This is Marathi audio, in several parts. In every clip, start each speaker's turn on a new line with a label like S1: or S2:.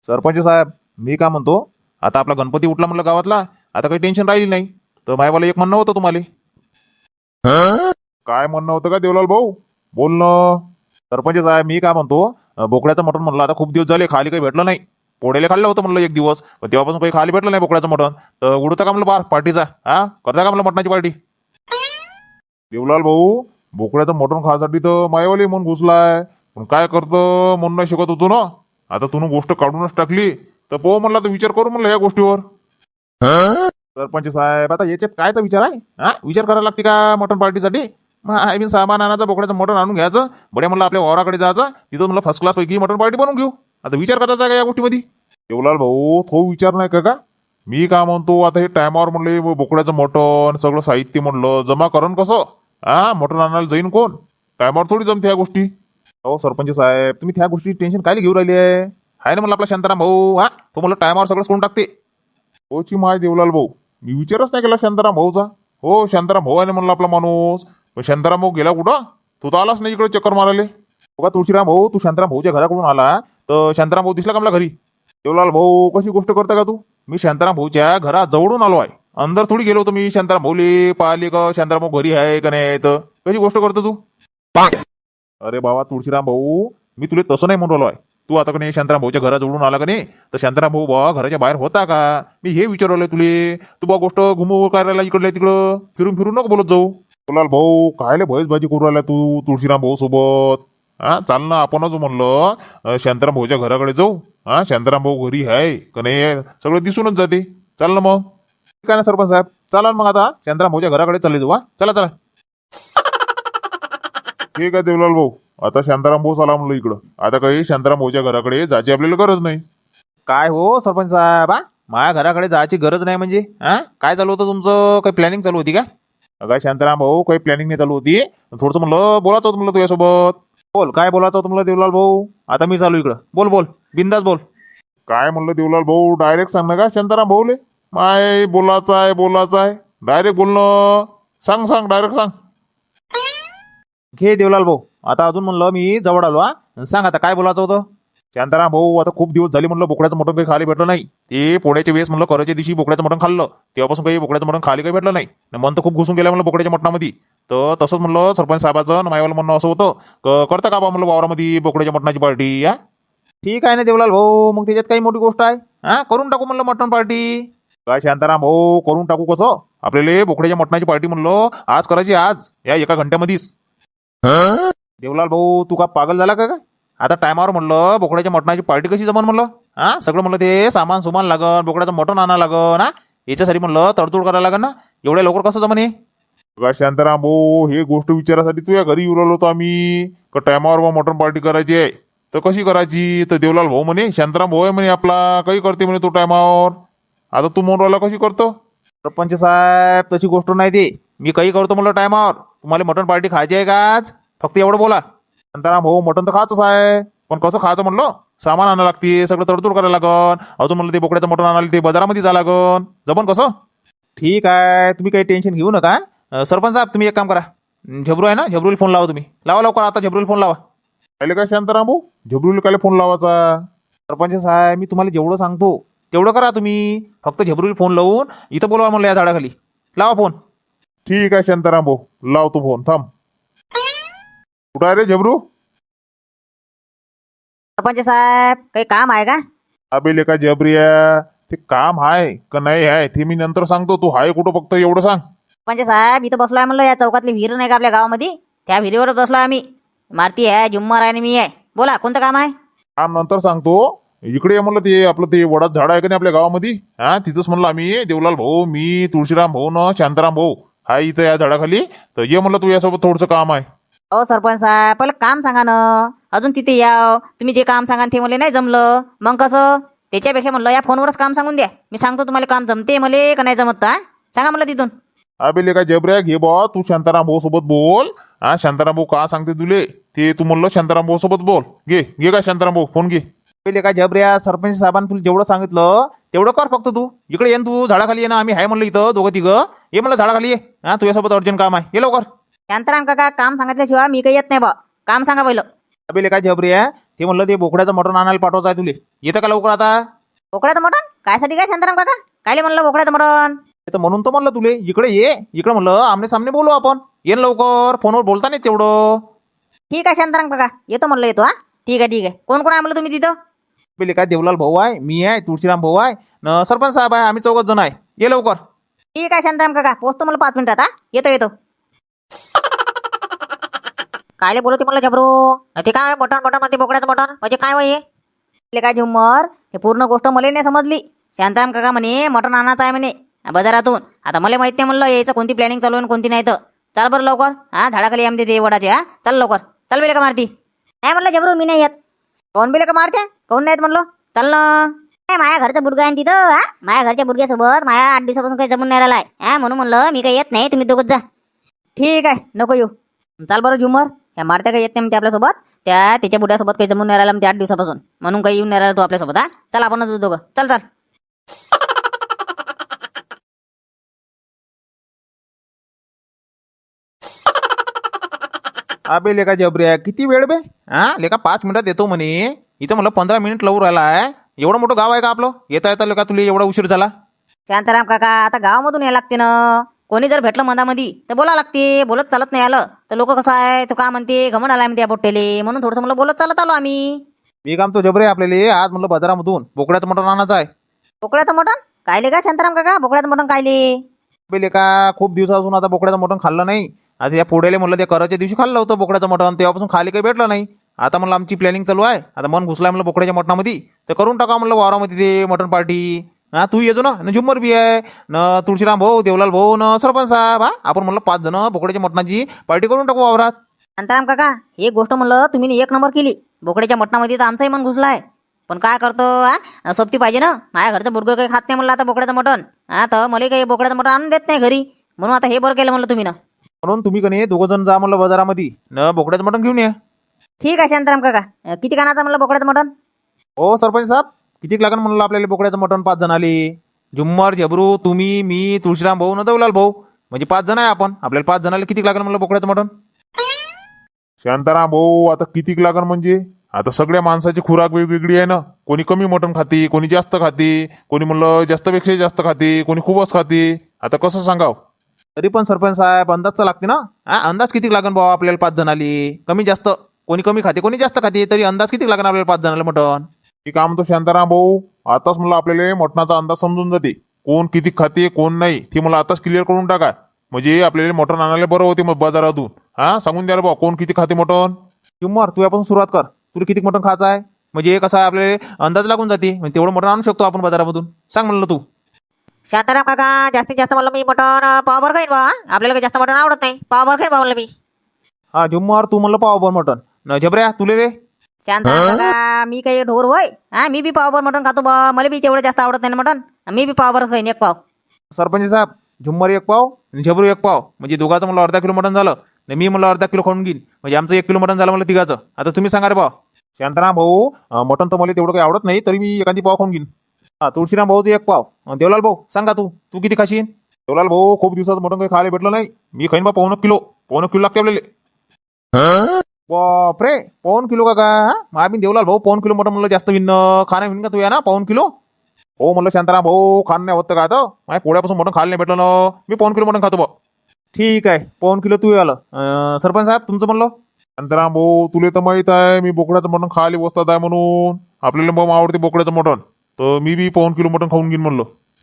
S1: सरपंच साहेब मी काय म्हणतो, आता आपला गणपती उठला म्हणलं गावातला, आता काही टेन्शन राहिली नाही. तर मायवाला एक म्हणणं होतं तुम्हाला. काय म्हणणं होतं का देवलाल भाऊ? बोल ना. सरपंच साहेब मी काय म्हणतो, बोकड्याचं मटण म्हणलं आता खूप दिवस झाले खाली काही भेटलं नाही. पोळ्याला खाल्लं होतं म्हणलं एक दिवस, पण तेव्हापासून काही खाली भेटलं नाही बोकड्याचं मटण. तर उडतं का म्हणलं बार पार्टीचा, हा करता का म्हणलं मटणाची पार्टी? देवलाल भाऊ बोकड्याचं मटण खासाठी तर मायवाली म्हणून घुसलाय, पण काय करतं म्हणून नाही शिकत होतो ना. आता तुम्ही गोष्ट काढूनच टाकली तर पोह म्हणला तर विचार करू म्हणलं या गोष्टीवर. सरपंच साहेब आता याच्यात कायचा विचार आहे, हा विचार करायला लागते का मटण पार्टीसाठी? आय मीन सामान आणायचं, बोकड्याचं मटण आणून घ्यायचं, बड्या म्हणलं आपल्या वावराकडे जायचं, तिथं म्हणलं फर्स्ट क्लास पैकी मटण पार्टी बनवून घेऊ. आता विचार करायचा आहे का या गोष्टीमध्ये? देवलाल भाऊ तो विचार नाही का मी काय म्हणतो, आता हे टायमावर म्हणले बोकड्याचं मटण सगळं साहित्य म्हणलं जमा करण कसं, हा मटण आणायला जाईन कोण? टायमावर थोडी जमते ह्या गोष्टी. हो सरपंच साहेब तुम्ही त्या गोष्टी टेन्शन काय घेऊ राहिली आहे ना म्हणलं आपला शांताराम भाऊ, हा तो म्हणलं टायमावर सगळं करून टाकते. होची माय देवलाल भाऊ मी विचारच नाही केला शांताराम भाऊचा. हो शांताराम भाऊ आहे ना म्हणलं आपला माणूस, पण शांताराम भाऊ गेला कुठं? तू तर आलाच नाही इकडे चक्कर मारायला. बघा तुळशीराम भाऊ तू शांताराम भाऊच्या घराकडून आला तर शांताराम भाऊ दिसला का मला घरी? देवलाल भाऊ कशी गोष्ट करता का तू? मी शांताराम भाऊच्या घरा जवळून आलो आहे, अंदर थोडी गेलो होतो मी. शांताराम भाऊले पाहिले का शांताराम भाऊ घरी आहे का नाही, तर कशी गोष्ट करतो तू? अरे बाबा तुळशीराम भाऊ मी तुला तसं नाही म्हणून राहिलो आहे. तू आता का नाही शांताराम भाऊच्या घरा जवळून आला का नाही, तर शांताराम भाऊ बा घराच्या बाहेर होता का मी हे विचारवलंय तुले. तू बा गोष्ट घुमू करायला इकडल्या तिकडं फिरून फिरून नको बोलत जाऊ. बोलाल भाऊ कायले भैस भाजी करू राहिला तू तुळशीराम भाऊ सोबत? हा चाल ना आपणच म्हणलं शांताराम भाऊच्या घराकडे जाऊ. हा शांताराम भाऊ घरी आहे का नाही सगळं दिसूनच जाते. चाल ना मग. काय ना सरपंच साहेब चला मग आता शांताराम भाऊच्या घराकडे चालले जाऊ. हा चला चला. ठीक आहे देवलाल भाऊ आता शांताराम भाऊ चला म्हणलं इकडं. आता काही शांताराम भाऊच्या घराकडे जायची आपल्याला गरज नाही. काय हो सरपंच साहेब, हा माझ्या घराकडे जायची गरज नाही म्हणजे हा काय चालू होतं तुमचं? काही प्लॅनिंग चालू होती का? काय शांताराम भाऊ काही प्लॅनिंग नाही चालू होती, थोडंसं म्हणलं बोलायचं होतं म्हणलं तुझ्यासोबत. बोल काय बोलायचं होतं म्हणलं देवलाल भाऊ. आता मी चालू इकडं, बोल बोल बिंदास बोल. काय म्हणलं देवलाल भाऊ डायरेक्ट सांग ना का शांताराम भाऊले? माय बोलायचं आहे डायरेक्ट बोलणं. सांग सांग डायरेक्ट सांग. घे देवलाल भाऊ आता अजून म्हणलं मी जवळ आलो. हा सांग आता काय बोलायचं होतं? शांताराम भाऊ आता खूप दिवस झाले म्हणलं बोकड्याचं मटण काही खाली भेटलं नाही. ते पोळ्याच्या वेळेस म्हणलं करायच्या दिवशी बोकड्याचं मटण खाल्लं, तेव्हापासून काही बोकड्याचं मटण खाली काही भेटलं नाही. मन तर खूप घुसून गेलं म्हणलं बोकड्याच्या मटणामध्ये. तर तसंच म्हणलं सरपंच साहेबाचं मायवाला म्हणणं असं होतं करता का बा म्हणलं वावरामध्ये बोकड्याच्या मटणाची पार्टी. या ठीक आहे ना देवलाल भाऊ, मग त्याच्यात काही मोठी गोष्ट आहे? हा करून टाकू म्हणलं मटण पार्टी. काय शांताराम भाऊ करून टाकू कसं? आपल्याला बोकड्याच्या मटणाची पार्टी म्हणलं आज करायची, आज या एका घंट्यामध्येच. देवलाल भाऊ तू का पागल झाला का? आता टायमावर म्हणलं बोकड्याच्या मटणाची पार्टी कशी जमन म्हणलं? हा सगळं म्हणलं ते सामान सुमान लागन, बोकड्याचं मटण आणा लागन, हा याच्यासाठी म्हणलं तडतोड करायला लागन ना. एवढ्या लवकर कसं जमन हे? शांताराम भाऊ हे गोष्ट विचारासाठी तुझ्या घरी येऊ राहिलो होतो आम्ही का टायमावर मटण पार्टी करायची आहे तर कशी करायची. तर देवलाल भाऊ म्हणे शांताराम भाऊ आहे म्हणे आपला काही करते म्हणे तो टायमावर. आता तू म्हणून राहिला कशी करतो? सरपंच साहेब तशी गोष्ट नाही ते, मी काही करतो म्हणलं टायमावर. तुम्हाला मटण पार्टी खायची आहे का आज? फक्त एवढं बोला. शांताराम भाऊ मटण तर खायचंच आहे, पण कसं खायचं म्हणलं? सामान आणायला लागते, सगळं तडतोड करायला लागन. अजून म्हणलं ते बोकड्याचं मटण आणायला ते बाजारामध्ये जा लागन. जमन कसं? ठीक आहे तुम्ही काही टेन्शन घेऊ नका. सरपंच साहेब तुम्ही एक काम करा, झबरू आहे ना झबरूला फोन लावा. तुम्ही लावा लवकर आता झबरूला फोन लावा. काय काय शांताराम भाऊ झबरूला काय फोन लावायचा? सरपंच साहेब मी तुम्हाला जेवढं सांगतो तेवढं करा तुम्ही. फक्त झबरूला फोन लावून इथं बोलवा म्हणलं या झाडाखाली. लावा फोन. ठीक आहे शांताराम भाऊ लावतो फोन. थांब. कुठं आहे रे झबरू?
S2: सरपंच साहेब काही काम आहे का?
S1: अबे का जबरिया ते काम आहे का नाही आहे ते मी नंतर सांगतो. तू हाय कुठं फक्त एवढं सांग.
S2: सरपंच साहेब इथं बसलोय म्हणलं या चौकातली विहीर नाही का आपल्या गावामध्ये, त्या विहिरीवरच बसलोय आम्ही. मारती आहे जुम्मर आहे आणि मी आहे. बोला कोणतं काम आहे?
S1: काम नंतर सांगतो. इकडे ये म्हणलं ते आपलं ते वडाचं झाड आहे का नाही आपल्या गावामध्ये, हा तिथंच म्हणलं आम्ही देवलाल भाऊ मी तुळशीराम भाऊ न शांताराम भाऊ हाय इथं या झाडाखाली. तर ये म्हणलं तू यासोबत थोडंसं काम आहे.
S2: हो सरपंच साहेब पहिलं काम सांगा ना, अजून तिथे या. तुम्ही जे काम सांगा ते मला नाही जमलं मग कसं? त्याच्यापेक्षा म्हणलं या फोनवरच काम सांगून द्या, मी सांगतो तुम्हाला काम जमते मले का नाही जमत. हा सांगा म्हणलं तिथून.
S1: अबे का जबऱ्या घे बा तू शांताराम भाऊ सोबत बोल. हा शांताराम भाऊ का सांगते तुले ते तू म्हणलं शांताराम भाऊ सोबत बोल. घे घे का शांताराम भाऊ फोन घे. पहिले काय जबऱ्या सरपंच साहेबांनी तुला जेवढं सांगितलं तेवढं कर फक्त. तू इकडे ये तू झाडाखाली ये ना, आम्ही आहे म्हणलं इथं दोघं तिघं. ये म्हणलं झाडाखाली ये. हा तुझ्यासोबत अर्जंट काम आहे, ये लवकर.
S2: शांताराम काका काम सांगितल्याशिवाय मी काही येत नाही बा. काम सांगा पहिलं.
S1: अबे काय जबऱ्या ते म्हणलं ते बोकड्याचं मटण आणायला पाठवायचं आहे तुले. येतं का लवकर आता?
S2: बोकड्याचं मटण कायसाठी काय शांताराम काका? कायले म्हणलं बोकड्याचं मटण?
S1: ते तर म्हणून तर म्हणलं तुले इकडे ये. इकडे म्हणलं आमने सामने बोलू आपण. ये ना लवकर, फोनवर बोलता नाही तेवढं.
S2: ठीक आहे शांताराम काका, येतो म्हणलं येतो. हा ठीक आहे ठीक आहे. कोण कोण आहे म्हणलं तुम्ही तिथं?
S1: पहिले काय देवलाल भाऊ आहे, मी आहे, तुळशीराम भाऊ आहे, न सरपंच साहेब आहे. आम्ही 4 जण आहे. ये लवकर.
S2: ठीक आहे शांताराम काका, पोचतो मला 5 मिनिटात. हा येतो येतो. कायले बोलते म्हणलं जबरू? ते काय मटण मटण म्हणते बोकड्याचं मटण म्हणजे काय वय हे? काय झुम्मर, हे पूर्ण गोष्ट मला नाही समजली. शांताराम काका म्हणे मटण आणायचं आहे म्हणे बाजारातून. आता मला माहित नाही म्हणलं यायचं कोणती प्लॅनिंग चालू आहे आणि कोणती नाही. तर चाल बरं लवकर. हा झाडाखाली आमचे ते वडाचे. हा चल लवकर. चल बेले का मारती? नाही म्हणलं जबरू मी नाही येत. कोण बेले का मारते? कोण नाही येत म्हणलं? चल ना. माझ्या घरचं बुडगा आहे तिथं. हा माझ्या घरच्या बुडग्यासोबत माझ्या 8 दिवसापासून काही जमून नाही राहिलाय. हा म्हणून म्हणलं मी काही येत नाही, तुम्ही दोघंच जा. ठीक आहे नको येऊ. चाल बरं झुमर. ह्या मारत्या काही येत नाही म्हणते आपल्यासोबत. त्याच्या बुड्यासोबत काही जमून नाही राहिला म्हणते 8 दिवसापासून, म्हणून काही येऊन नाही राहिला तो आपल्यासोबत. हा चल आपणच दोघं. चल चल.
S1: अबे लेका जबऱ्या, किती वेळ बे? हा लेका 5 मिनिटात येतो म्हणे. इथं मला 15 मिनिट लावून राहिला आहे. एवढं मोठं गाव आहे का आपलं? येता येता लेका तुला एवढा उशीर झाला?
S2: शांताराम काका आता गावामधून यायला लागते ना. कोणी जर भेटलं मधामध्ये तर बोला लागते. बोलत चालत नाही आलं तर लोक कसं आहे, तो का म्हणते घमंड आलाय म्हणते या पोट्टेले, म्हणून थोडंसं मला बोलत चालत आलो आम्ही.
S1: मी काम तो जबरे आपल्याला आज म्हणलं बाजारामधून बोकड्याचं मटण आणायचं आहे.
S2: बोकड्याचं मटण कायले का शांताराम काका? बोकड्याचं मटण कायले?
S1: अबे लेका खूप दिवसापासून आता बोकड्याचं मटण खाल्लं नाही. आता या पुढेले म्हणलं ते कराच्या दिवशी खाल्लं होतं बोकड्याचं मटण, तेव्हापासून खाली काही भेटलं नाही. आता म्हणलं आमची प्लॅनिंग चालू आहे. आता मन घुसलाय म्हणलं बोकड्याच्या मटणामध्ये, तर करून टाका म्हणलं वावरामध्ये ते मटण पार्टी. हा तू येतो ना, न झुम्मर बी आहे, न तुळशीराम भाऊ, देवलाल भाऊ, न सरपंच साहेब. हा आपण म्हणलं 5 जण बोकड्याच्या मटणाची पार्टी करून टाकू वावरात.
S2: शांताराम काका एक गोष्ट म्हणलं तुम्ही 1 नंबर केली. बोकड्याच्या मटणामध्ये तर आमचंही मन घुसलाय. पण काय करतो हा, सोबती पाहिजे ना. माझ्या घरचं बुडगं काही खात नाही म्हणलं आता बोकड्याचं मटण. हा तर मला काही बोकड्याचं मटण आणून देत नाही घरी, म्हणून आता हे बरं केलं म्हणलं तुम्ही ना.
S1: म्हणून तुम्ही कणी 2 जण जा म्हणलं बाजारामध्ये, न बोकड्याचं मटण घेऊन या.
S2: ठीक आहे शांताराम काका. किती कानाचं म्हणलं बोकड्याचं मटण?
S1: हो सरपंच साहेब, किती लागेल म्हणलं आपल्याला बोकड्याचं मटण? 5 जण आले. झुम्मर, जबरू, तुम्ही, मी, तुळशीराम भाऊ, न देवलाल भाऊ, म्हणजे 5 जण आहे आपण. आपल्याला 5 जणाला किती लागेल म्हणलं बोकड्याचं मटण?
S3: शांताराम भाऊ, आता कितीक लागन म्हणजे? आता सगळ्या माणसाची खुराक वेगवेगळी आहे ना. कोणी कमी मटण खाते, कोणी जास्त खाते, कोणी म्हणलं जास्तपेक्षा जास्त खाते, कोणी खूपच खाते. आता कसं सांगाव?
S1: तरी पण सरपंच साहेब अंदाज तर लागते ना. हा अंदाज किती लागेल भाऊ आपल्याला 5 जणाले? कमी जास्त, कोणी कमी खाते कोणी जास्त खाते, तरी अंदाज किती लागेल आपल्याला 5 जणाला मटण?
S3: हे काम तो शांताराम भाऊ, आताच मला आपल्याला मटणाचा अंदाज समजून जाते. कोण किती खाते कोण नाही ते मला आताच क्लिअर करून टाका. म्हणजे आपल्याला मटण आणायला बरं होते मग बाजारातून. हा सांगून द्या रे भाऊ, कोण किती खाते मटण.
S1: झुम्मर तू आपण सुरुवात कर. तुला किती मटण खायचं आहे म्हणजे कसं आहे आपल्याला अंदाज लागून जाते. म्हणजे तेवढं मटण आणू शकतो आपण बाजारामधून. सांग म्हणलं तू.
S2: शांताराम काका जास्तीत जास्त म्हणलं मी मटण पावभर खाईन बा. आपल्याला काही जास्त मटण आवडत नाही. पावभर खाईन बा म्हणलं मी.
S1: हा झुम्मर तू म्हणलं पाव मटण. न झबऱ्या तुले रे?
S2: शांताराम काका मी काही ढोर होय? हा मी बी पावभर मटण खातो बा. मला बी तेवढं जास्त आवडत नाही ना मटण. मी बी पावभर खाईन 1 पाव.
S1: सरपंच साहेब झुम्मर 1 पाव आणि झबरू 1 पाव, म्हणजे दोघाचं मला अर्धा किलो मटण झालं. आणि मी मला अर्धा किलो खाऊन घेईन, म्हणजे आमचं 1 किलो मटण झालं मला तिघाचं. आता तुम्ही सांगा रे भाऊ.
S3: शांताराम भाऊ, मटण तर मला तेवढं काही आवडत नाही, तरी मी एखादी पाव खाऊन घेईन.
S1: हा तुळशीराम भाऊचं 1 पाव. देवलाल भाऊ सांगा तू तू किती खाशीन?
S3: देवलाल भाऊ, खूप दिवसाचं मटण काही खायला भेटलं नाही. मी खाईन बा 1 किलो. 1 किलो लागते आपल्याला.
S1: बापरे 1 किलो का? हा आम्ही देवलाल भाऊ 1 किलो मटण म्हणलं जास्त विन खाणं विन का तू या ना 1 किलो?
S3: हो म्हणलं शांताराम भाऊ, खाणं नाही होतं का आता? माझ्या पोळ्यापासून मटण खायला नाही भेटलं ना. मी 1 किलो मटण खातो बा.
S1: ठीक आहे 1 किलो तू आलं. सरपंच साहेब तुमचं म्हणलं?
S3: शांताराम भाऊ, तुला तर माहित आहे मी बोकड्याचं मटण खायला बसतात आहे म्हणून. आपल्याला मग आवडते बोकड्याचं मटण, तर मी बी 1 किलो मटण खाऊन घेईन म्हणलं.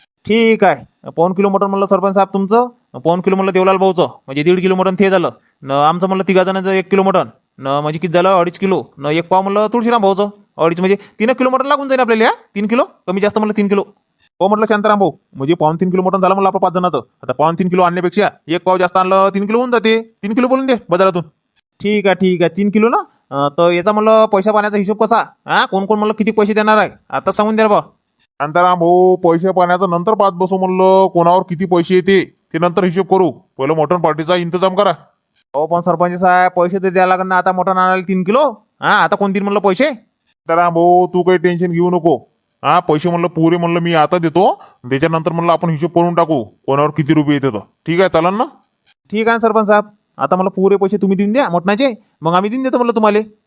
S1: ठीक आहे 1 किलो मटण म्हणलं सरपंच साहेब तुमचं. 1 किलो म्हणलं देवलाल भाऊचं, म्हणजे 1.5 किलो मटण ते झालं. न आमचं म्हणलं 3 जणांचं 1 किलो मटण, न म्हणजे किती झालं 2.5 किलो. न 1 पाव म्हणलं तुळशीराम भाऊचं 2.5, म्हणजे 3 किलो मटण लागून जाईल आपल्याला. 3 किलो कमी जास्त म्हणलं 3 किलो.
S3: हो म्हटलं शांताराम भाऊ, म्हणजे 2.5 किलो मटण झालं म्हणलं आपलं 5 जणांचं. आता 2.5 किलो आणण्यापेक्षा 1 पाव जास्त आणलं 3 किलो होऊन जाते. 3 किलो बोलून दे बाजारातून.
S1: ठीक आहे 3 किलो ना. तर याचा म्हणलं पैसा पाण्याचा हिशोब कसा? हा कोण कोण म्हणलं किती पैसे देणार आहे आता सांगून द्या बा.
S3: शांताराम भाऊ, पैसे पाण्याचं नंतर पाच बसू म्हणलं. कोणावर किती पैसे येते ते नंतर हिशोब करू. पहिलं मटण पार्टीचा इंतजाम करा.
S1: हो पण सरपंच साहेब पैसे तर द्यायला लागणार ना आता मटण आणायला 3 किलो. हा आता कोण देईल म्हणलं पैसे?
S3: शांताराम भाऊ, तू काही टेन्शन घेऊ नको. हा पैसे म्हणलं पुरे म्हणलं मी आता देतो. त्याच्यानंतर म्हणलं आपण हिशोब करून टाकू कोणावर किती रुपये येते. तर ठीक आहे चालन ना?
S1: ठीक आहे सरपंच साहेब. आता मला पुरे पैसे तुम्ही देऊन द्या मटणाचे, मग आम्ही देऊन देतो म्हणलं तुम्हाला.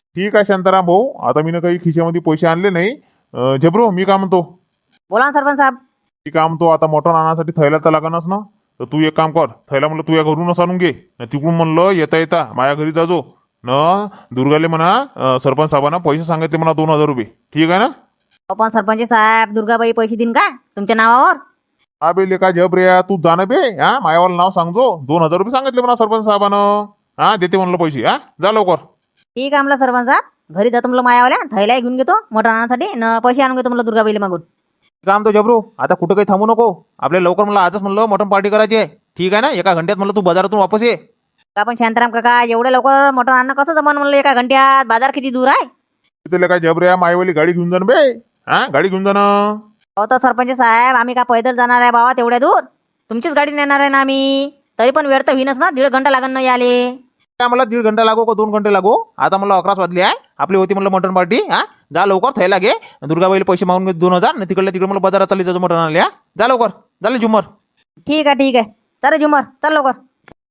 S3: ठीक आहे शांताराम भाऊ, आता मी काही खिशामध्ये पैसे आणले नाही. झबरू मी काय म्हणतो,
S2: बोला ना सरपंच साहेब.
S3: मी काय म्हणतो, आता मटण आणण्यासाठी थैला तर लागणच ना. तर तू एक काम कर, थैला म्हणलं तुझ्या घरूनच आणून घे. न तिकडून म्हणलं येता येता माझ्या घरी जाजो न. दुर्गाले म्हणा सरपंच साहेबांना पैसे सांगितले म्हणा 2000 रुपये. ठीक आहे ना?
S2: अहो पण सरपंच साहेब, दुर्गाबाई पैसे देईन का तुमच्या नावावर?
S3: बे लेका झबरे, तू जाणं बे. मायावाला नाव सांगजो. 2000 रुपये सांगितले म्हणा सरपंच साहेबानं. देते म्हणलं पैसे. जा लवकर.
S2: ठीक आहे म्हणलं सरपंच साहेब, घरी जातो म्हणलं मायावाल्या, थैला घेऊन घेतो मटण आणण्यासाठी न पैसे आणून घेतो म्हणलं दुर्गाबाईला मागून.
S1: काम तो जबरू, आता कुठं काही थांबू नको. आपल्या लवकर मला आजच म्हणलं मटण पार्टी करायची आहे. ठीक आहे ना? एका घंट्यात म्हणलं तू बाजारातून वापस ये.
S2: का पण शांताराम काका, एवढ्या लवकर मटण आणणं कसं जमन म्हणलं एका घंट्यात? बाजार किती दूर आहे?
S3: तिथे लेका झबरे, मायवाली गाडी घेऊन जाणं बे. गाडी घेऊन जाणं.
S2: अहो तर सरपंच साहेब, आम्ही का पैदल जाणार आहे बाबा तेवढ्या दूर? तुमचीच गाडी नेणार आहे ना आम्ही. तरी पण वेळ तर होईनच ना, 1.5 घंटा लागन ना याले.
S1: काय मला 1.5 घंटा लागो का 2 घंटे लागो? आता मला 11 वाजले आहे. आपली होती म्हणलं मटण पार्टी. जा लवकर, थैला घे. दुर्गाबाईला पैसे मागून घे 2000. न तिकडे मला बाजारात चालली जातो मटण आणले. जा लवकर. झालं झुमर.
S2: ठीक आहे ठीक आहे, चल झुमर, चल लवकर.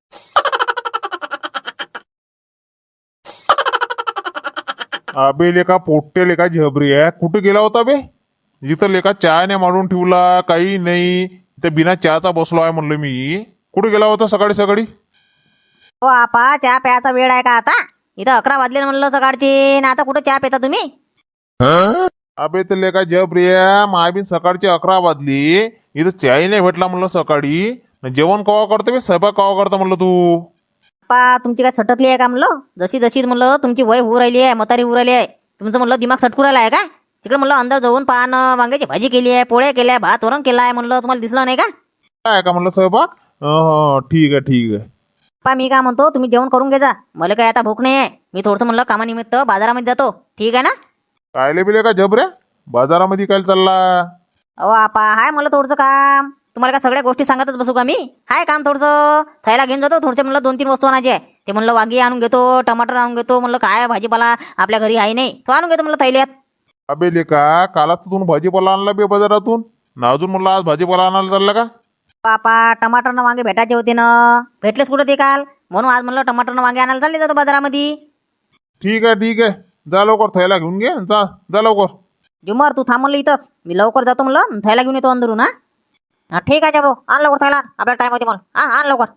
S3: अबे लेका पोट्टे लेका झबरी आहे, कुठे गेला होता बे? जिथं लेका चहा नाही मारून ठेवला, काही नाही. इथं बिना चहाचा बसलो आहे म्हणलं मी. कुठे गेला होता सकाळी सकाळी?
S2: हो आपा, चहा प्यायचा वेळ आहे का आता? इथं 11 वाजले म्हणलं सकाळचे, ना आता कुठं चहा पिता तुम्ही?
S3: अबे ते लेका झबरी आहे, मायबीन सकाळची 11 वाजली. इथं चहाही नाही भेटला म्हणलं सकाळी. न जेवण कवा करतो बे, स्वयंपाक कवा करतो म्हणलं तू?
S2: आपा, तुमची काय सटकली आहे का म्हणलं? जशी जशी म्हणलं तुमची वय होऊ राहिली आहे, म्हातारी होऊ राहिली आहे, तुमचं म्हणलं दिमाग सटकू राहिला आहे का? तिकडे म्हणलं अंदर जाऊन पाहणं, वांग्याची भाजी केली आहे, पोळ्या केल्या, भात वरण केला आहे म्हणलं, तुम्हाला दिसलं नाही का?
S3: काय का म्हणलं स्वयंपाक? ठीक आहे ठीक आहे.
S2: पा मी काय म्हणतो, तुम्ही जेवण करून घे जा. मला काय आता भूक नाही आहे. मी थोडंसं म्हणलं कामानिमित्त बाजारामध्ये जातो. ठीक आहे ना?
S3: कायले बिले का झबऱ्या, बाजारामध्ये काय चालला?
S2: अहो आपा, हाय मला थोडंसं काम. तुम्हाला काय सगळ्या गोष्टी सांगतच बसू का मी? हाय काम थोडंसं. थैला घेऊन जातो, थोडसे म्हणलं 2-3 वस्तू आणायची आहे. ते म्हणलं वांगी आणून घेतो, टमाटर आणून घेतो, म्हणलं काय भाजीपाला आपल्या घरी आहे नाही, तो आणून घेतो म्हणलं थैल्यात.
S3: अबे लेका, कालच तर तू भाजीपाला आणला बे बाजारातून. ना अजून म्हणलं आज भाजीपाला आणायला चालला का?
S2: पापा, टमाटर न वांगे भेटायचे होते ना, भेटलेच कुठं ते काल, म्हणून आज म्हणलं टमाटर न वांगे आणायला चालले जातो बाजारामध्ये.
S3: ठीक आहे ठीक आहे, जा लवकर थैला घेऊन घे. जा लवकर.
S2: जुमर, तू थांब म्हणलं इथंच, मी लवकर जातो म्हणलं, थैला घेऊन येतो अंदरून. हा ठीक आहे ब्रो, आण लवकर थैला, आपला टाइम होते मला. आण लवकर.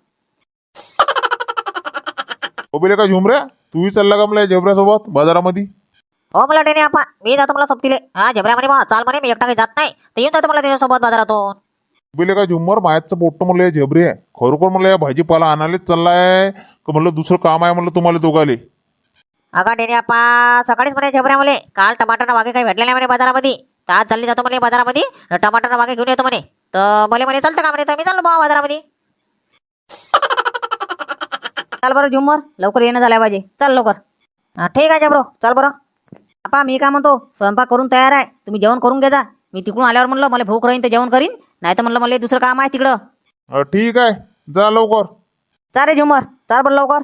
S3: हो बे लेका झुमऱ्या, तूही चालला का मला झबऱ्यासोबत बाजारामध्ये?
S2: हो मला टेने आपा, मी जातो मला सोबतीले. जबऱ्या म्हणे बा चाल म्हणे, मी एकटा काही जात नाही, तर येऊन जातो मला त्याच्यासोबत बाजारातून.
S3: बिले का झुमर, मायाचं पोट्ट म्हणलं या झबरी आहे. खरोखर म्हणलं या भाजीपाला आणायलाच चाललाय का म्हणलं दुसरं काम आहे म्हणलं तुम्हाला दोघाले?
S2: अगा टेने आपा, सकाळीच म्हणे जबऱ्या म्हणे काल टमाटर वांगे काही भेटले नाही म्हणे बाजारामध्ये, तर आज चालली जातो म्हणे बाजारामध्ये, टमाटर वांगे घेऊन येतो म्हणे. तर मला म्हणे चालतं का म्हणे, तर मी चाललो बा बाजारामध्ये. चाल बरं झुमर, लवकर येणं झालं पाहिजे, चल लवकर. ठीक आहे जब्रो, चल बरं. आपा मी काय म्हणतो, स्वयंपाक करून तयार आहे, तुम्ही जेवण करून घे जा. मी तिकडून आल्यावर म्हणलं मला भूक राहीन तर जेवण करीन, नाही तर म्हणलं मला दुसरं काम आहे तिकडं.
S3: ठीक आहे, जा लवकर.
S2: चाल रे झुमर, चाल बरं लवकर.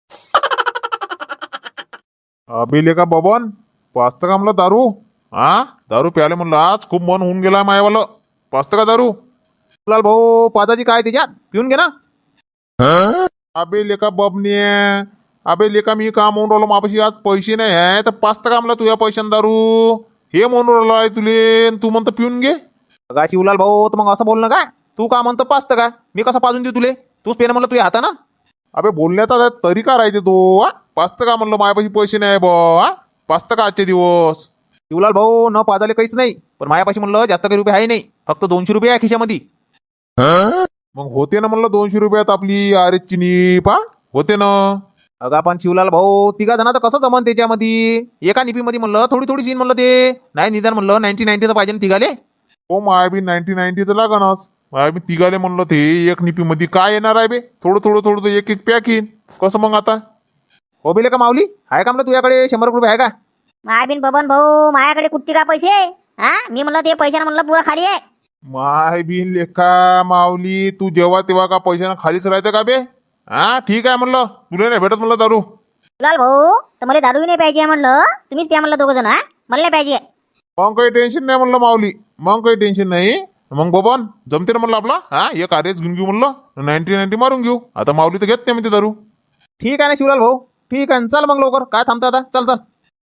S3: अबे लेका बबन, पाचतं का म्हणलं दारू? दारू प्याले म्हणलं आज खूप मन होऊन गेला मायवालं. पाचतं का दारू?
S1: लाल भाऊ, पादाची काय त्याच्यात, पिऊन घे ना.
S3: अबे लेका बबने, अबे लेका मी का म्हणून राहिलो, मापाशी आज पैसे नाही आहे, तर पाचतं का म्हणलं तुझ्या पैशान दारू? हे म्हणून राहिलो आहे तुले, तू म्हणतो पिऊन घे.
S1: का शिवलाल भाऊ, तर मग असं बोल ना का? तू का म्हणतो पाचतं का? मी कसं पाजून देऊ तुले? तूच पेन म्हणलं तुझ्या हातानं.
S3: अबे बोलण्याचा तरीका राहते तो. पाचतं का म्हणलं माझ्यापाशी पैसे नाही बा, पाचतं का आजचे दिवस?
S1: शिवलाल भाऊ, न पाजाले काहीच नाही, पण माझ्यापाशी म्हणलं जास्त काही रुपये आहे नाही, फक्त 200 रुपये आहे खिशामध्ये.
S3: मग होते ना म्हणलं 200 रुपयात आपली आरेची नीपा होते ना.
S1: अगा पण शिवलाल भाऊ, 3 जण तर कसं जमन त्याच्यामध्ये? एका निपीमध्ये म्हणलं थोडी थोडी सीन म्हणलं, ते नाही निदान म्हणलं 90-90 तर पाहिजे ना तिघाले.
S3: हो मायाबी 90-90 तर लागणच. मायाबी तिघाले म्हणलं ते एक निपीमध्ये काय येणार आहे बे? थोडं थोडं थोडं एक एक पॅक येईन. कसं मग आता?
S1: हो बेले का माऊली, आहे का म्हणलं तुझ्याकडे 100 रुपये आहे का?
S2: मायबीन बबन भाऊ, माझ्याकडे कुठचे का पैसे? मी म्हणलं ते पैशानं म्हणलं पुरा खाली आहे.
S3: माय बी लेखा माऊली, तू जेव्हा तेव्हा का पैशानं खालीच राहते का बे? ठीक आहे म्हणलं, तुला नाही भेटत म्हणलं दारू.
S2: लाल भाऊ, तर मला दारू नाही पाहिजे म्हणलं, तुम्हीच प्या म्हणलं 2 जण. मला नाही पाहिजे.
S3: मग काही टेन्शन नाही म्हणलं माऊली, मग काही टेन्शन नाही. मग बबन जमते ना म्हणलं आपला. एक आरेच घेऊन घेऊ म्हणलं, 90-90 मारून घेऊ. आता माऊली तर घेत नाही म्हणते दारू.
S1: ठीक आहे ना शिवलाल भाऊ, ठीक आहे, चल मग लवकर, काय थांबता आता, चल चल.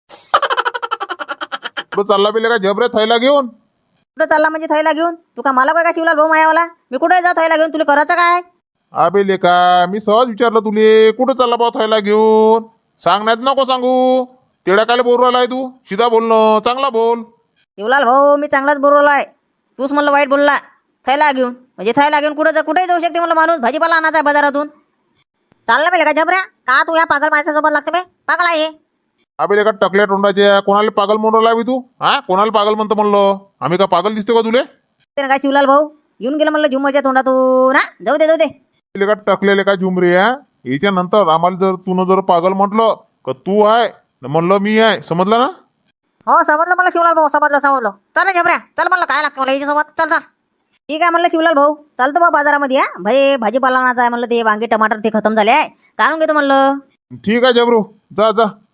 S3: कुठं चालला बिले का जबरे थैला घेऊन?
S2: कुठं चालला म्हणजे थैला घेऊन? तू का मला काय का शिवलाल भाऊ मायावाला? मी कुठे जा थैला घेऊन? तुला करायचं काय?
S3: अबे लेका मी सहज विचारलं तुले कुठं चालला बा थैला घेऊन. सांगण्यात नको सांगू. तेवढ्या काय बोलू राहिलाय तू? सीधा बोलणं चांगला बोल.
S2: शिवलाल भाऊ मी चांगलाच बोलवलाय. तूच म्हणलं वाईट बोलला. थैला घेऊन म्हणजे थैला घेऊन कुठेही जाऊ शकते म्हणलं माणूस. भाजीपाला आणायचा आहे बाजारातून. चालला पाहिजे का जबऱ्या? का तू या पागल माणसासोबत लागते बे? पागल आहे.
S3: अबे लेका टकल्या तोंडाच्या कोणाला पागल म्हणून राहिला बी तू? हा कोणाला पागल म्हणतो म्हणलं? आम्ही का पागल दिसतो का तुले?
S2: ते काय शिवलाल भाऊ येऊन गेलं म्हणलं झुमरच्या तोंडातून. हा जाऊ दे.
S3: लेका टकलेले का झुमरे याच्या नंतर आम्हाला जर तू जर पागल म्हटलं का तू आहे म्हणलं मी आहे समजलं ना?
S2: हो समजलं मला शिवलाल भाऊ समजलं. चल रे जबऱ्या चल म्हणलं काय लागतं मला याच्यासोबत. चल ठीक आहे म्हणलं शिवलाल भाऊ चालतो बा बाजारामध्ये. भाजीपाला आणायचा आहे म्हणलं. ते वांगे टमाटर ते खतम झाले आहे. आणून घेतो म्हणलं.
S3: ठीक आहे जबरू जा.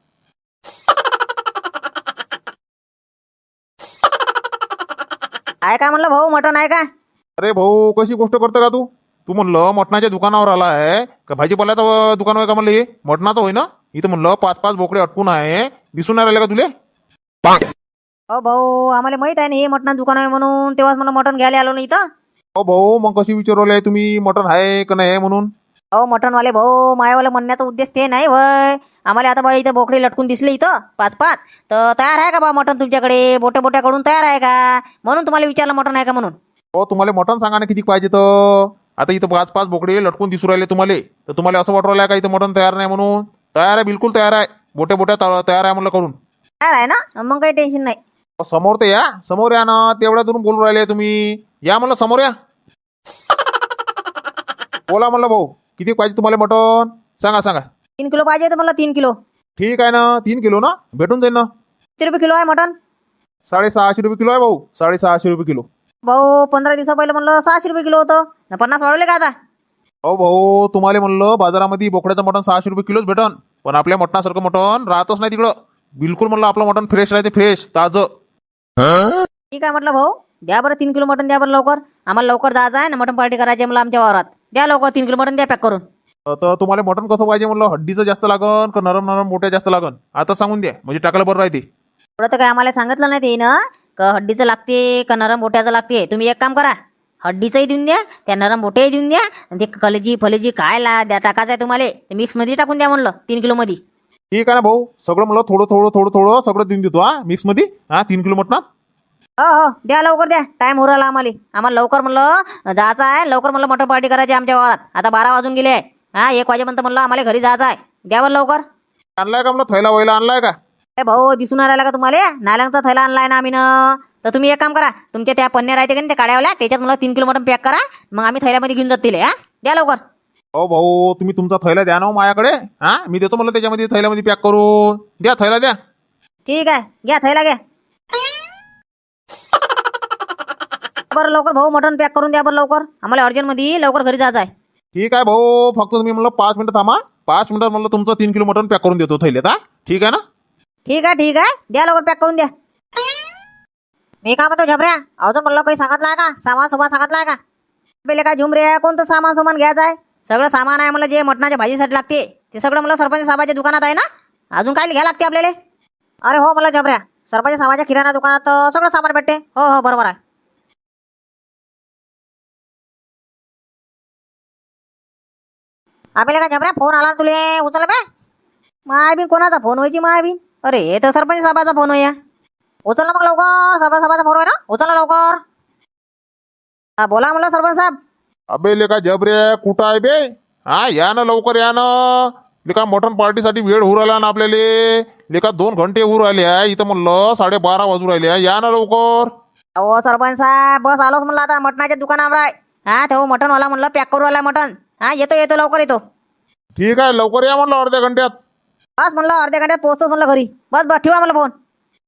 S2: आहे का म्हणलं भाऊ मटण आहे का?
S3: अरे भाऊ कशी गोष्ट करतो का तू? तू म्हणलं मटणाच्या दुकानावर आला आहे का भाजीपाल्याचं दुकान आहे का म्हणलं? हे मटणाचं होय ना? इथं म्हणलं 5-5 बोकडे अटकून आहे. दिसून नाही राहिले का तुले?
S2: हो भाऊ आम्हाला माहित आहे ना हे मटणाचं दुकान आहे म्हणून. तेव्हाच मला मटण घ्यायला आलो ना इथं.
S3: हो भाऊ मग कशी विचारवले तुम्ही मटण आहे का नाही म्हणून?
S2: हो मटणवाले भाऊ मायावाले म्हणण्याचा उद्देश ते नाही वय. आम्हाला आता बा इथं बोकडे लटकून दिसले इथं 5-5. तर तयार आहे का बा मटण तुमच्याकडे? बोट्याकडून तयार आहे का म्हणून तुम्हाला विचारलं मटण आहे का म्हणून.
S3: हो तुम्हाला मटण सांगा ना किती पाहिजे तर. आता इथं 5-5 बोकडे लटकून दिसू राहिले तुम्हाला. तर तुम्हाला असं वाटू राहिलं का इथं मटण तयार नाही म्हणून? तयार आहे बिलकुल तयार आहे. बोट्या तयार आहे म्हणलं करून.
S2: तयार आहे ना मग काही टेन्शन नाही.
S3: समोर तर या. समोर या ना. तेवढ्या दूरून बोलून राहिले तुम्ही. या म्हणलं समोर या. बोला म्हणलं भाऊ किती पाहिजे तुम्हाला मटण? सांगा.
S2: 3 किलो पाहिजे होतं मला. 3 किलो.
S3: ठीक आहे ना 3 किलो ना भेटून जाईल ना.
S2: किती रुपये किलो आहे मटण?
S3: 650 रुपये किलो आहे भाऊ. 650 रुपये किलो.
S2: भाऊ 15 दिवसा पहिलं म्हणलं 600 रुपये किलो होतं. 50 वाढवले का आता?
S3: हो भाऊ तुम्हाला म्हणलं बाजारामध्ये बोकड्याचं मटण 600 रुपये किलोच भेटन. पण आपल्या मटणासारखं मटण राहतच नाही तिकडं. बिलकुल म्हणलं आपलं मटण फ्रेश राहते. फ्रेश ताजं.
S2: ठीक आहे म्हटलं भाऊ द्या बरं 3 किलो मटण द्या बरं लवकर. आम्हाला लवकर जायचं आहे ना मटण पार्टी करायची आहे मला आमच्या वावरात. द्या लवकर 3 किलो मटण द्या पॅक करून.
S3: तर तुम्हाला मटण कसं पाहिजे म्हणलं? हड्डीचं जास्त लागन का नरम मोठ्या जास्त लागन? आता सांगून द्या म्हणजे टाकायला बरं राहते.
S2: थोडं तर काय आम्हाला सांगितलं नाही ते ना का हड्डीचं लागते का नरम बोट्याचं लागते. तुम्ही एक काम करा हड्डीचंही देऊन द्या त्या नरम बोट्याही देऊन द्या. आणि ते फलेजी काय द्या टाकायचं आहे तुम्हाला ते मिक्समध्ये टाकून द्या म्हणलं 3 किलो मध्ये.
S3: ठीक आहे ना भाऊ सगळं म्हणलं थोडं सगळं देऊन देतो. मिक्समध्ये 3 किलो मटणात.
S2: हो द्या लवकर द्या. टाइम हो राहिला आम्हाला लवकर म्हणलं जायचं आहे. लवकर म्हणलं मटण पार्टी करायची आमच्या वावरात. आता 12 वाजून गेले आहे. 1 वाजेपर्यंत म्हणलं आम्हाला घरी जायचं आहे. द्या बरं लवकर.
S3: आणलाय का म्हणलं? थैला वैला आणलाय का?
S2: भाऊ दिसून राहिला का तुम्हाला? नाल्यांचा थैला आणलाय ना आम्ही न. तर तुम्ही एक काम करा तुमच्या त्या पन्न्या राहते का त्या काड्यावल्या त्याच्यात मला 3 किलो मटण पॅक करा. मग आम्ही थैल्यामध्ये घेऊन जातील. द्या लवकर.
S3: हो भाऊ तुम्ही तुमचा थैला द्या ना माझ्याकडे. मी देतो म्हणलं त्याच्यामध्ये थैल्यामध्ये पॅक करून. द्या थैला द्या.
S2: ठीक आहे घ्या थैला घ्या. बरं लवकर भाऊ मटण पॅक करून द्या बरं लवकर. आम्हाला अर्जंटमध्ये लवकर घरी जायचं आहे.
S3: ठीक आहे भाऊ फक्त तुम्ही म्हणलं 5 मिनिटं थांबा. 5 मिनिटात म्हणलं तुमचं 3 किलो मटण पॅक करून देतो थैल्यात. ठीक आहे ना?
S2: ठीक आहे द्या लवकर पॅक करून द्या. मी का म्हणतो झबऱ्या अजून म्हणलं काही सांगितलं का? सामान सांगितलं का? पहिले काय झुमरे कोणतं सामान घ्यायचं आहे? सगळं सामान आहे मला जे मटणाच्या भाजीसाठी लागते ते सगळं मला सरपंच साहेबाच्या दुकानात आहे ना. अजून काय घ्या लागते आपल्याला? अरे हो मला झबऱ्या सरपंच साहेबाच्या किराणा दुकानात सगळं सामान भेटते. हो बरोबर आहे. आपल्याला काय झबऱ्या फोन आला तुले उचल बे. मायाबीन कोणाचा फोन व्हायची मायाबीन? अरे हे तर सरपंच साहेबाचा फोन होया. उचलला मग लवकर. सरपंच साहेबाचा फोन होय ना. उचलला लवकर. बोला म्हणलं सरपंच साहेब.
S3: अबे लेका जबरे कुठं आहे बे? या ना लवकर या ना. लेका मटण पार्टीसाठी वेळ होऊ राहिला ना आपल्याला. लेका 2 घंटे होऊ राहिले आहे इथं म्हणलं 12:30 वाजू राहिले आहे. या ना लवकर.
S2: अहो सरपंच साहेब बस आलोच म्हणलं आता मटणाच्या दुकानावर आहे. तेव्हा मटणवाला म्हणलं पॅक करू आला मटण. येतो लवकर येतो.
S3: ठीक आहे लवकर या म्हणलं अर्ध्या घंट्यात.
S2: बस म्हणलं अर्ध्या घंट्यात पोहोचतोच म्हणलं घरी. बस ठेवा मला फोन.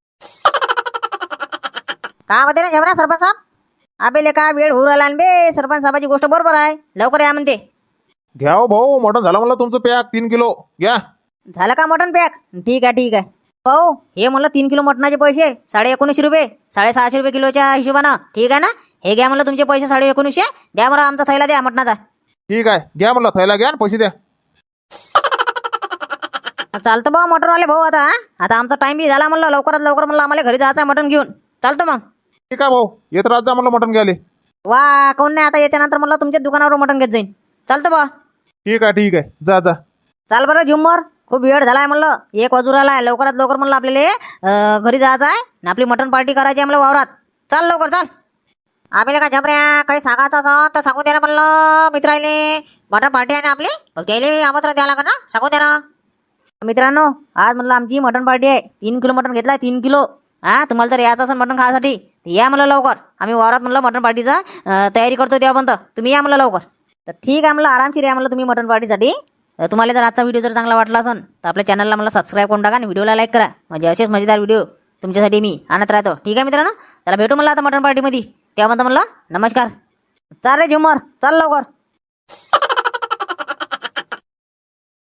S2: काय म्हणते ना झबऱ्या सरपंच साहेब? आबेले का वेळ होऊ राहिला बे. सरपंच साहेबाची गोष्ट बरोबर आहे. लवकर या म्हणते.
S3: घ्या हो भाऊ मटण झालं म्हणलं तुमचं पॅक 3 किलो घ्या.
S2: झालं का मटण पॅक? ठीक आहे भाऊ हे म्हणलं 3 किलो मटणाचे पैसे 1950 रुपये. 650 रुपये किलोच्या हिशोबानं. ठीक आहे ना? हे घ्या म्हणलं तुमचे पैसे 1950. द्या मला आमचा थैला द्या मटणाचा.
S3: ठीक आहे घ्या म्हणलं थैला घ्या आणि पैसे द्या.
S2: चालतं बा मटनवाले भाऊ. आता आमचा टाइम बी झाला म्हणलं, लवकरात लवकर म्हणलं आम्हाला घरी जायचं मटन घेऊन. चालतं मग.
S3: ठीक आहे भाऊ, येत राहत जा म्हणलं मटण घ्यायले.
S2: वा कोण नाही, आता याच्यानंतर म्हणलं तुमच्या दुकानावर मटन घेत जाईन. चालतं बा.
S3: ठीक आहे, जा जा.
S2: चाल बरं झुम्मर, खूप वेळ झालाय म्हणलं, 1 वाजून राहिलाय. लवकरात लवकर म्हणलं आपल्याला घरी जायचं आहे ना, आपली मटन पार्टी करायची आहे म्हणलं वावरात. चाल लवकर चाल. आपल्याला काय झबऱ्या काही सांगायचं असं तर सांगू दे ना म्हणलं मित्राले. मटन पार्टी आहे ना आपली, मग त्याला आमंत्रण द्यावं लागेल ना, सांगू दे ना. मित्रांनो आज म्हणलं आमची मटन पार्टी आहे. 3 किलो मटन घेतलाय, 3 किलो. तुम्हाला जर यायचं असेल मटन खाण्यासाठी या म्हणलं लवकर. आम्ही वावरात म्हणलं मटन पार्टीचा तयारी करतो तेव्हापर्यंत तुम्ही या म्हणलं लवकर. तर ठीक आहे म्हणलं, आरामशीर या म्हणलं तुम्ही मटन पार्टीसाठी. तुम्हाला जर आजचा व्हिडिओ जर चांगला वाटला असेल तर आपल्या चॅनलला मला सबस्क्राईब करून टाका आणि व्हिडिओला लाईक करा. म्हणजे असेच मजेदार व्हिडिओ तुमच्यासाठी मी आणत राहतो. ठीक आहे मित्रांनो, चला भेटू म्हणलं आता मटन पार्टीमध्ये. तेव्हा म्हणलं नमस्कार. चाल रे झुमर, चल लवकर.